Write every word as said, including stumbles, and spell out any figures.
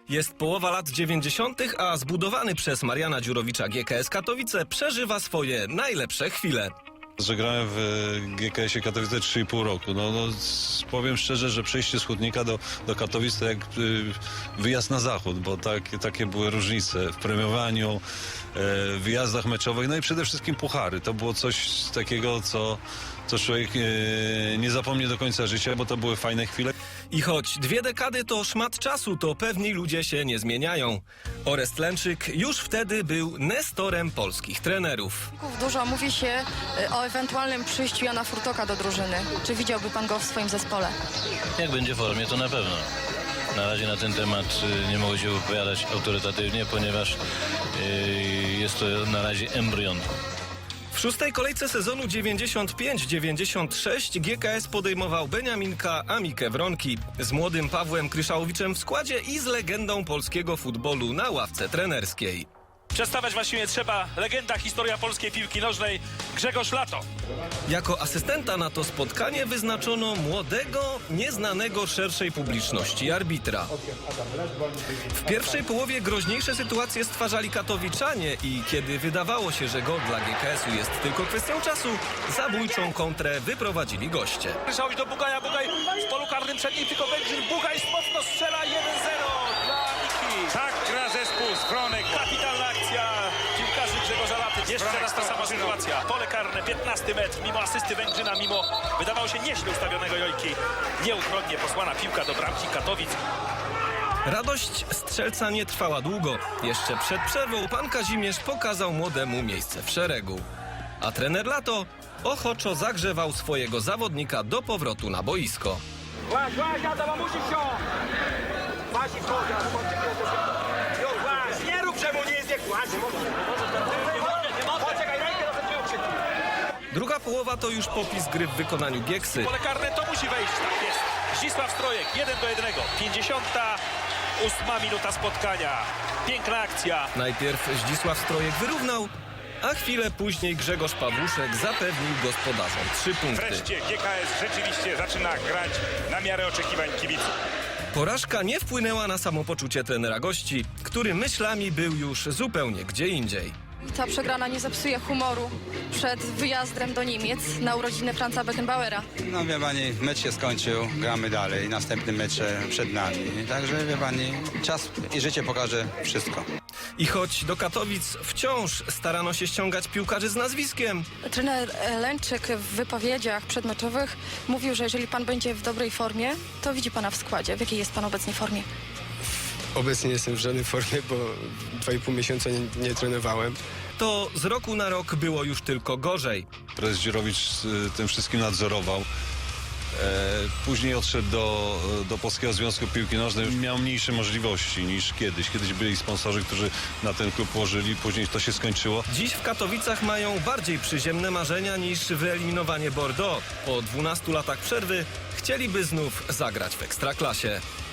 Jest połowa lat dziewięćdziesiątych, a zbudowany przez Mariana Dziurowicza G K S Katowice przeżywa swoje najlepsze chwile. Że grałem w G K S-ie Katowice trzy i pół roku. No, no, powiem szczerze, że przejście z Chłodnika do, do Katowic to jak y, wyjazd na zachód, bo tak, takie były różnice w premiowaniu, y, wyjazdach meczowych, no i przede wszystkim puchary. To było coś takiego, co, co człowiek y, nie zapomni do końca życia, bo to były fajne chwile. I choć dwie dekady to szmat czasu, to pewni ludzie się nie zmieniają. Orest Lęczyk już wtedy był nestorem polskich trenerów. Dużo mówi się o ewentualnym przyjściu Jana Furtoka do drużyny. Czy widziałby pan go w swoim zespole? Jak będzie w formie, to na pewno. Na razie na ten temat nie mogę się wypowiadać autorytatywnie, ponieważ jest to na razie embrion. W szóstej kolejce sezonu dziewięćdziesiąt pięć dziewięćdziesiąt sześć G K S podejmował Beniaminka Amikę Wronki z młodym Pawłem Kryszałowiczem w składzie i z legendą polskiego futbolu na ławce trenerskiej. Przedstawiać właściwie trzeba legenda, historia polskiej piłki nożnej Grzegorz Lato. Jako asystenta na to spotkanie wyznaczono młodego, nieznanego szerszej publiczności arbitra. W pierwszej połowie groźniejsze sytuacje stwarzali katowiczanie i kiedy wydawało się, że gol dla G K S-u jest tylko kwestią czasu, zabójczą kontrę wyprowadzili goście. Kryszałowicz do Bugaja, Bugaj w polu karnym przed nim tylko Węgrzyn. Bugaj mocno strzela jeden zero dla Miki. Tak gra zespół z Wronek. Kapitalna akcja piłkarzy Grzegorza Laty. Jeszcze raz ta sama sytuacja. Pole karne, piętnasty metr, mimo asysty Węgrzyna, mimo wydawało się nieźle ustawionego Jojki. Nieuchronnie posłana piłka do bramki Katowic. Radość strzelca nie trwała długo. Jeszcze przed przerwą pan Kazimierz pokazał młodemu miejsce w szeregu. A trener Lato ochoczo zagrzewał swojego zawodnika do powrotu na boisko. Łaź, łaź, Adam, musisz się! Łaź i wchodzi, ale już łaź, nie rób, że mu nie jest jak łaź, poczekaj, rękę do tego krzyknij. Druga połowa to już popis gry w wykonaniu Gieksy. Pole karne to musi wejść, tak jest. Zdzisław Strojek, jeden do jednego. pięćdziesiąta ósma minuta spotkania. Piękna akcja. Najpierw Zdzisław Strojek wyrównał, a chwilę później Grzegorz Pawłuszek zapewnił gospodarzom trzy punkty. Wreszcie G K S rzeczywiście zaczyna grać na miarę oczekiwań kibiców. Porażka nie wpłynęła na samopoczucie trenera gości, który myślami był już zupełnie gdzie indziej. Ta przegrana nie zepsuje humoru przed wyjazdem do Niemiec na urodziny Franza Beckenbauera. No wie pani, mecz się skończył, gramy dalej, następny mecz przed nami. Także wie pani, czas i życie pokaże wszystko. I choć do Katowic wciąż starano się ściągać piłkarzy z nazwiskiem, Trener Lęczyk w wypowiedziach przedmeczowych mówił, że jeżeli pan będzie w dobrej formie, to widzi pana w składzie. W jakiej jest pan obecnie formie? Obecnie jestem w żadnej formie, bo dwa i pół miesiąca nie, nie trenowałem. to z roku na rok było już tylko gorzej. Prezes Dziurowicz y, tym wszystkim nadzorował. E, później odszedł do, do Polskiego Związku Piłki Nożnej. Już miał mniejsze możliwości niż kiedyś. Kiedyś byli sponsorzy, którzy na ten klub łożyli. Później to się skończyło. Dziś w Katowicach mają bardziej przyziemne marzenia niż wyeliminowanie Bordeaux. Po dwunastu latach przerwy chcieliby znów zagrać w Ekstraklasie.